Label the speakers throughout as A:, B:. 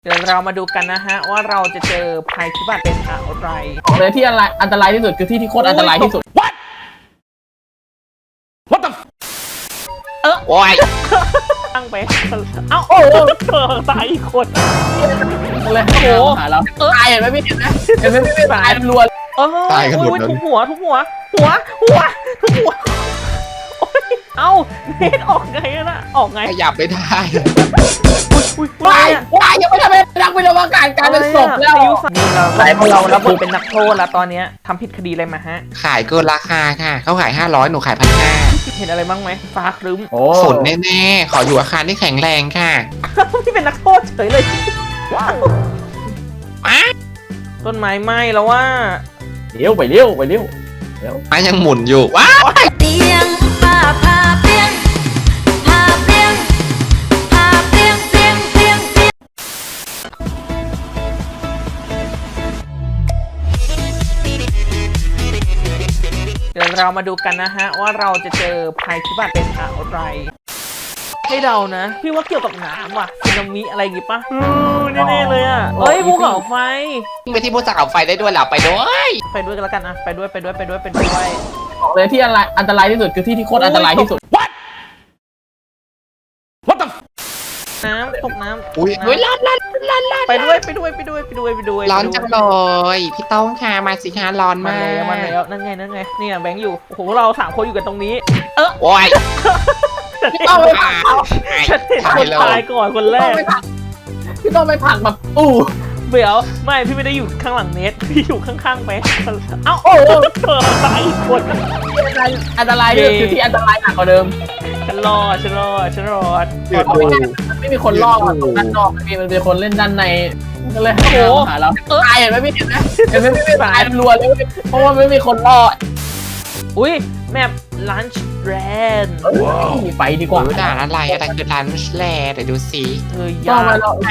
A: เดี๋ยวเรามาดูกันนะฮะว่าเราจะเจอภัยพิบัติเป็นอะไร
B: บอกเลยที่อันตรายที่สุดคือที่โคตรอันตรายที่สุด
C: What the
B: โอ้ย
A: ตั้งไปเอ้าโอ้ตายอีกคน
B: เลยโอ้โหหาเราตายเห็นไหมพี่เห็นไหมไม่ตายรัว
C: ตายกันหมดเลย
A: ทุกหัวทุกหัวทุกหัวเอ้าเนทออกไงนะออกไง
C: ขยับไม่ได้
B: ว้ายยังไม่ทำเป็นนักวิทยาการการเป็นศพแล้ว
A: นี่เรารับบทเป็นนักโทษแล้วตอนนี้ทำผิดคดีอะไรมาฮะ
C: ขายเกินราคาค่ะเขาขาย500หนูขาย1,500
A: เห็นอะไรบ้างไหมฟ้าครึ้ม
C: ฝนแน่ๆขออยู่อาคารที่แข็งแรงค่ะ
A: ที่เป็นนักโทษเฉยเลยต้นไม้ไหม้แล้วว่า
B: เลี้ยวไปเลี้ยว
C: ไม้ยังหมุนอยู่ว้า
D: เตียงผ้าเปียงผ้าเปียงเปียง
A: เดี๋ยวเรามาดูกันนะฮะว่าเราจะเจอภัยพิบัติเป็นอะไรให้เดานะพี่ว่าเกี่ยวกับน้ำว่ะสึนามิอะไรอย่างงี้ปะแน่ๆเลยอ่ะเฮ้ยภูเขาไฟ
C: ไปที่ภูเขาไฟได้ด้วยเหรอไปด้วย
A: กันแล้วกันอ่ะไปด้วย
B: บอกเลยที่อันตรายที่สุดคือที่โคตรอันตรายที่สุด
C: What the
A: น้ำตกน้ำ
C: อุ้ยร้อน
A: ไปด้วย
C: ร้อนจังเลยพี่ต้องค่ะมาสิคะร้อนมาก
A: มาแล้วนั่นไงเนี่ยแบงค์อยู่โอ้โหเรา3คนอยู่กันตรงนี้
C: โอ้ย
A: ฉันเห็นคนตายก่อนคนแรก
B: พี่ต้องไปผักแบบ
A: เดี๋ยวไม่พี่ไม่ได้อยู่ข้างหลังเน็ตพี่อยู่ข้างๆไปเอ้าตายอีกคน
B: อันตรายคือที่อันตรายหนักกว่าเดิม
A: ฉันรอด
B: ไม่มีคนรอดตรงด้านนอกมันมีคนเล่นด้านในก็เลยโอ้โหหาเราตายเห็นไหมพี่เห็นไหมไม่ตายรัวเลยเพราะว่าไม่มีคนรอด
A: อุ้ยแมปลันช์แรน
B: ไปดีกว่า
C: ด่านอะไรคือลันช์แรนเดี๋ยวดูสิ
A: ยากไปแล้ว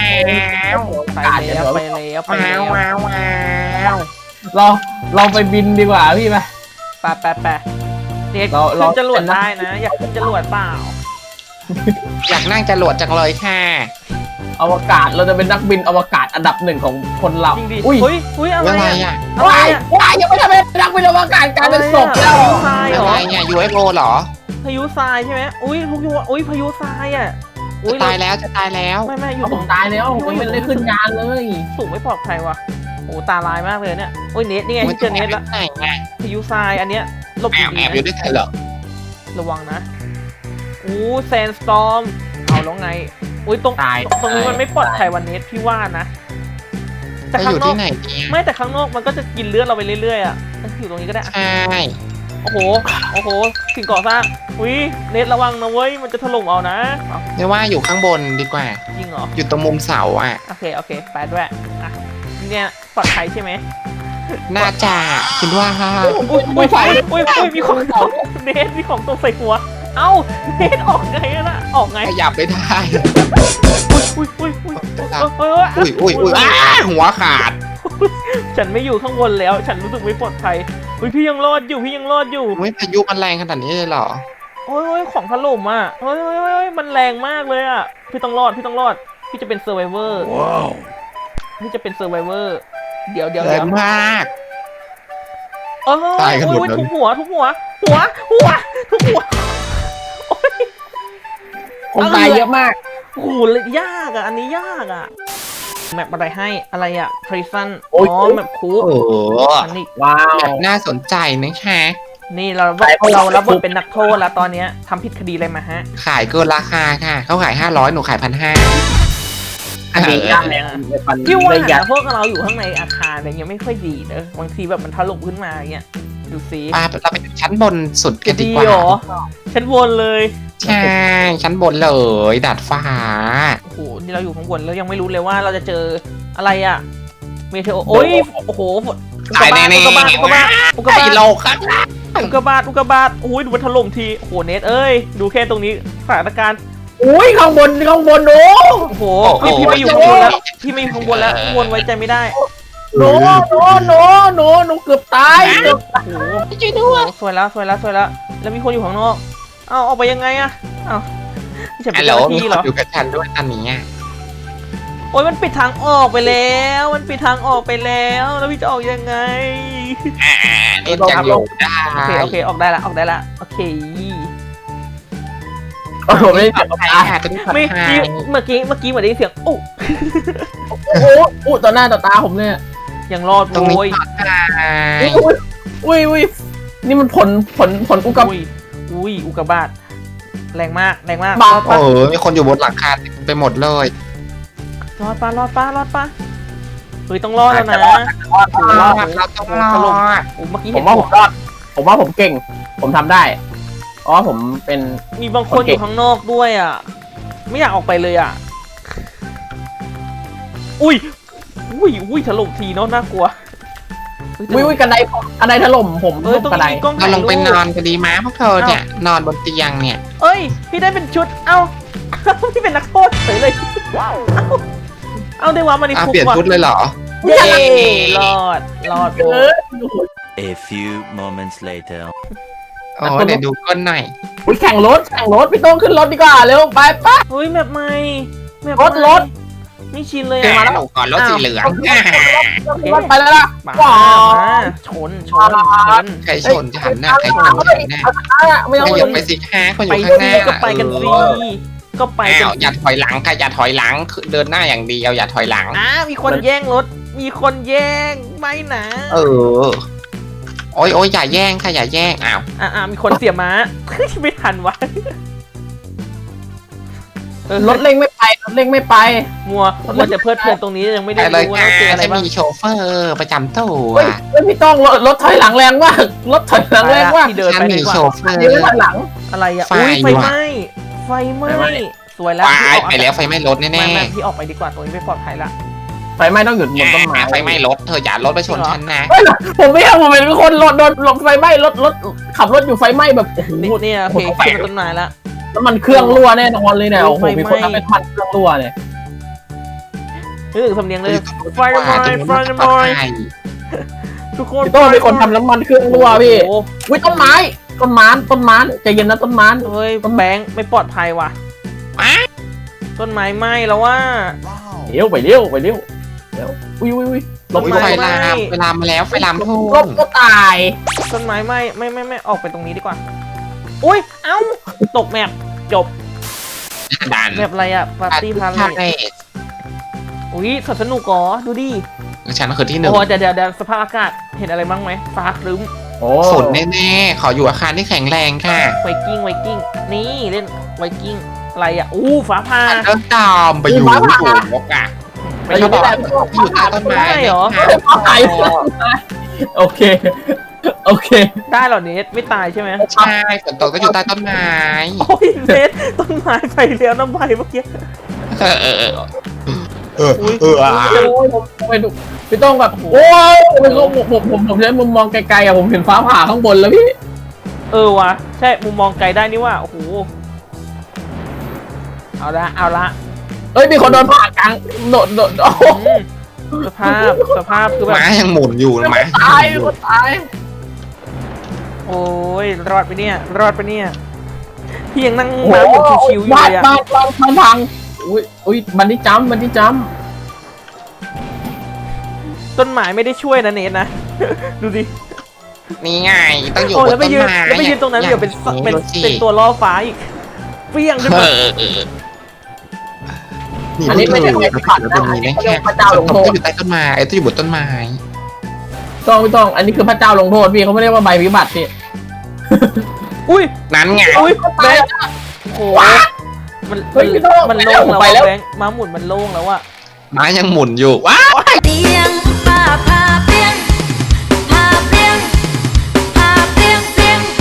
B: เราไปบินดีกว่าพี่ไหม
A: ไปเด็กขึ้นจรวดได้นะอยากขึ้นจรวดเปล่า
C: อยากนั่งจรวดจังเลยค่ะ
B: อวกาศเราจะเป็นนักบินอวกาศอันดับ1ของคนเรา
A: อุ้ยอะไร
C: อ่ะ
B: ว้ายยังไม่ทำเป็นนักบินอวกาศการเป็นศพแล้ว
C: อะไรเนี่ย UFO เหรอ
A: พายุทรายใช่ไหมอุ้ยพายุทรายอ่ะ
C: จะตายแล้ว
A: ไม่อยู่
B: ผมตายแล้วผมไม่ได้ขึ้นงานเลย
A: สูงไม่ปลอดภัยว่ะโอ้ตาลายมากเลยเนี่ยโอ้ยเน็ตนี่ไงเจอเน็ตแล้วพายุทรายอันเนี้ยหลบ
C: แอบอยู่ด้วยกันเหรอ
A: ระวังนะแซนสตอร์มเอาแล้วไงอุ้ยตรงนี้มันไม่ปลอดภัยวันนี้พี่ว่านะ
C: แต่ข้างนอก
A: ไม่แต่ข้างนอกมันก็จะกินเลือดเราไปเรื่อยๆอ่ะอยู่ตรงนี้ก็ได้
C: ใช่
A: โอ้โหสิ่งก่อสร้างอุ้ยเน็ตระวังนะเว้ยมันจะถล่มเอานะ
C: เรียกว่าอยู่ข้างบนดีกว่า
A: จริงเหรอ
C: อยู่ตรงมุมเสาอ่ะ
A: โอเคไปด้วยอ่ะเนี่ยปลอดภัยใช่ไหม
C: น่าจะคิดว่า
A: อุ้ยมีของตกเน็ตมีของตกใส่หัวเอ้าเน็ตออกไงนะออกไง
C: ขยับไม่ได้
A: อุ้ย
C: หัวขาด
A: ฉันไม่อยู่ข้างบนแล้วฉันรู้สึกไม่ปลอดภัยพี่ยังรอดอยู่
C: พายุมันแรงขนาดนี้เลยเหรอ
A: โอ้ยของถล่มอ่ะมันแรงมากเลยอ่ะพี่ต้องรอดพี่จะเป็นเซอร์ไวเวอร์พี่จะเป็นเซอร์ไวเวอร์เดี๋ยว
C: แรงมากตายกันหมดเลย
A: ทุกหัวทุกหัว
B: คนตายเยอะมาก
A: โอ้โหยากอ่ะอันนี้ยากอ่ะแมปอะไรให้อะไรอ่ะพรีซันแมปคู
C: อันนี้ว้าวแบบน่าสนใจนะคะ
A: นี่เรารับบทเป็นนักโทษแล้วตอนนี้ทำผิดคดีอะไรมาฮะ
C: ขายเกินราคาค่ะเขาขาย500หนูขาย1,500
B: อันนี้ยากเลย
A: พี่ว่าพวกเราอยู่ข้างในอาคารอะไรเงี้ยไม่ค่อยดีเนอะบางทีแบบมันถล่มขึ้นมาเงี้ยดูซิ
C: เราไปชั้นบนสุดกันดีกว่า
A: ชั้นบนเลย
C: ใช่ชั้นบนเลยดาดฟ้า
A: โอ้โหนี่เราอยู่ข้างบนแล้วยังไม่รู้เลยว่าเราจะเจออะไรอ่ะเมเทโอโอ้ยโอ้โห
C: ตายแน่ๆอุกกาบาต
A: โอ้ยดูมันถล่มทีโอ้โหเน็ตเอ้ยดูแค่ตรงนี้สถานการณ์
B: อุ้ยข้างบนโ
A: อ้โหพี่ไม่อยู่ข้างบนแล้วข้างบนไว้ใจไม่ได้
B: โนเกือบตาย
A: โอ้โหช่วยด้วยสวยแล้วแล้วมีคนอยู่ข้างนอกเอาออกไปยังไงอะเอา
C: จะเป็นที่เหรออยู่กับฉันด้วยตอนนี้
A: โอ้ยมันปิดทางออกไปแล้วมันปิดทางออกไปแล้วแล้วพี่จะออกยังไง
C: นี่ยังอยู่ได้
A: โอเคออกได้ละโอเค
B: โอ้โหไม่ได้เสียง
C: ใคร
B: ตา
C: ค่ะจะได้ปลอด
A: ไม่
C: ภัย
A: เมื่อกี้เหมือนได้ยินเสียงอุ๊
B: โอ้โหอู้ต่อหน้าต่อตาผมเนี่ย
A: ยังรอด
C: ตรงนี้
A: โว้ย
C: ปลอดภัย
B: อุ้ยนี่มันผลอุกกาบาต
A: อุ้ยอุกกาบาตแรงมาก
B: บาป
A: รอด
C: โอ้
A: ปะ
C: มีคนอยู่บนหลังคาไปหมดเลย
A: รอดปะเฮ้ยต้องรอดแล้วนะ
C: รอดเราต้องรอด
A: โอ้เมื่อกี้
B: ผ
A: เห็
B: ม
A: น
B: ว่าผมรอดผมว่าผมเก่ง ผมทำได้เพราะว่าผมเป็น
A: มีบางคนอยู่ข้างนอกด้วยอ่ะไม่อยากออกไปเลยอ่ะอุ้ยถล่มทีเนาะน่ากลัว
B: อุ้ยกันไดถล่มผม
A: ตรง
B: กันได
A: นี้มีกล้อง
C: เรา
A: ถ่าย
C: ลงไปน
A: รู
C: อน
A: ป
C: กันดีมั้ยพวกเธอเนี่ยนอนบนเตียงเนี่ย
A: เอ้ยพี่ได้เป็นชุดเอ้า พี่เป็นนักโทษเฉยเลยเอาได้ว่ามาใน
C: อ้าว
A: คุก
C: เปลี่ยน
A: ว่ะ
C: ชุดเลยเหรอ
A: เย้รอด
B: เออ
E: A few moments later.
C: โอ้เดี๋ยวดูก้นหน่อย
B: อุ้ยแข่งรถพี่โต้งขึ้นรถดีกว่าเร็วไป
A: เฮ้ยแบบใหม่แบบ
B: รถ
A: ไม่ชินเลย
C: แก
A: อะ
C: หนูก่อนรถสีเหลือง
B: ไปแล้วล่ะ
A: มา
B: ว้า
A: ชน
C: ใครชนฉันน่ะใครชนฉันน่ะ
B: ไม่เอา
C: ขยับไปสิคะคนอ
A: ไป
C: ยู่ข้างห
A: สิ
C: น้า
A: ก็ไปกันสิก็ไปกั
C: อ้าน วอย่าถอยหลังค่ะอย่าถอยหลังเดินหน้าอย่างเดียวอย่าถอยหลัง
A: มีคนแย่งรถมีคนแย่งไม่นะ
C: เออโอ้ยอย่าแย่งค่ะอย่าแย่งอ้าว
A: มีคนเสียม้า ไม่ทันวะ
B: รถเร่งไม่ไป
A: มัวจะเพลิดเพลินตรงนี้ยังไม่ได้
C: ไปเลย
A: รู้ว่า
C: ค่ะ
A: เจออะไร
C: จะ
A: บ้าง
C: มีโชเฟอร์ประจำตัว
B: เฮ้ยพี่โต้งรถถอยหลังแรงมากรถถอยหลังแรงมาก
A: ที่เดิน
C: ฉัน
A: ไป
C: มี
A: ดีกว่า
C: โชเฟอร์
B: เดี๋ยวถอยหลัง
A: อะไรอ่ะ
C: ไฟ
A: อุ้ยไฟ
C: ว่ะ
A: ไหม้สวยแล้ว
C: ไปแล้วไฟไหม้รถแน่
A: ไม่พี่ออกไปดีกว่าตรงนี้ไม่ปลอดภัยละ
B: ไฟไหม้ต้องหยุดบนต้นไม้
C: ไฟไหม้รถเธออย่ารถไปชนฉันนะ
B: ผมไม่เอาผมเป็นคนโดนไฟไหม้รถขับรถอยู่ไฟไหม้แบบโอ้โห
A: นี่โอเคขึ้นต้นไม้ละ
B: แล้วมันเครื่องรั่วแน่นอนเลยเนี่ยโอ้โหมีคนทำเป็นพันเครื่องรั่วเลย
A: สำเนียงเลยไฟไหม้ทุกคน
B: พี่โต้งเป็นคนทำน้ำมันเครื่องรั่วพี่
A: โอ้
B: วิต้นไม้ใจเย็นนะต้นไม้
A: เฮ้ยแบงค์ไม่ปลอดภัยว่ะต้นไม้ไหม้แล้วว่า
B: เร็วไปเร็วอุ้ยลบ
C: ไฟลามไฟลามมาแล้วไฟลามทุ่
B: ล
C: ง
B: บก็ตาย
A: ต้นไม้ไหม้ไม่ออกไปตรงนี้ดีกว่าอุ้ยเอ้าตกแมปจบ
C: ดัน
A: แมปอะไรอ่ะปาร์ตี้พาเลทอุ้ยสนุกอ๋อดูดิ
C: ฉันคือที่หนึ่ง
A: โอ้เดี๋ยวสภาพอากาศเห็นอะไรบ้างไหมฟ้าครึ้ม
B: โอ้
C: ฝนแน่ๆขออยู่อาคารที่แข็งแรงค่ะ
A: ไวกิ้งนี่เล่นไวกิ้งอะไรอ่ะฟ้าผ่า
C: เดินตามไปอยู่สูงนกอ่ะไม่ชอบบอกที่อยู่ใต้ต้นไม้
A: ได้เหรอ
B: ตายโอเค
A: ได้เหรอเนทไม่ตายใช่ไหม
C: ใช่ฝนตกก็อยู่ใต้ต้นไม้
A: โอ้ยเนทต้นไม้ไปแล้วน้ำใบเมื่อกี้
B: ไปดูพี่ต้องแบบโอ้ยผมใช้มุมมองไกลๆอะผมเห็นฟ้าผ่าข้างบนแล้วพี่
A: วะใช่มุมมองไกลได้นี่ว่าโอ้โหเอาละ
B: เอ้ยมีคนโดนผ่ากลางโดดโอ้โห
A: สภาพคือแบบ
C: ม้ายังหมุนอยู่นะม้า
B: ตายคนตาย
A: โอ้ยรอดไปเนี่ยพี่ยังนั่งม้าหมุนชิวๆอยู่
B: บ้า
A: เลยอะ
B: นพังอุ้ยบันที่จัม
A: ต้นไม้ไม่ได้ช่วยนะเนทนะ ดูดิ
C: นี่ไงต้องอยู่
A: โอ้
C: บ
A: แล้ว
C: น
A: ไป
C: ต้น
A: ยืน
C: ไม้
A: แล้วไปยืนตรงนั้นเดี๋ยวเป็นตัวล่อฟ้าอีกเปี้ยงขึ้นมา
C: นี่
B: อันนี้ไม่ใช่ไฟผ่านนะ
C: เป็นนี้นะแค่
B: พระเจ้าลงโทษ
C: ต้องอยู่ใต้ต้นไม้ต้องอยู่บนต้นไม้
B: ต้องอันนี้คือพระเจ้าลงโทษพี่เขาไม่เรียกว่าใบวิบัติพี่
A: อุ้ย
C: นั้นไง
A: แบงค์โอ้โหมันโล่งแล้วแบงค์ม้าหมุนมันโล่งแล้วอะ
C: ม้ายังหมุนอยู่ว้า
D: เตียงป้าพาเปียงพาเปียงพาเปียง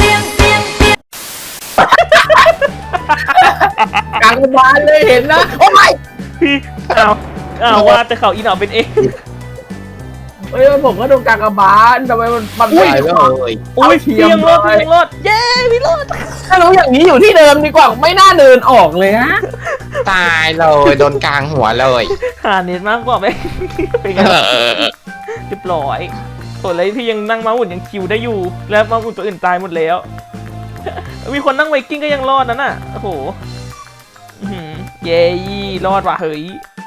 B: กลางบ้านเลยเห็นนะโอ้ย
A: พี่เอาว่าแต่เขาอีหนอเป็นเอง
B: เฮ้ยผมก็โดนกากบาลทำไมมัน
C: ตายเลย
A: อุ้ยเพียงรถเย้พี่รถ
B: ถ้ารู้อย่างนี้อยู่ที่เดิมดีกว่าไม่น่าเดินออกเลยฮะ
C: ตายเลยโดนกลางหัวเลย
A: หาเน็ตมากกว่าไหมเป็นไงเรียบร้อยส่วนอะไรพี่ยังนั่งม้าหมุนยังคิวได้อยู่ แล้วม้าหมุนตัวอื่นตายหมดแล้ว มีคนนั่งไวกิ้งก็ยังรอดนั่นน่ะโอ้โหเย้รอดว่ะเฮ้ย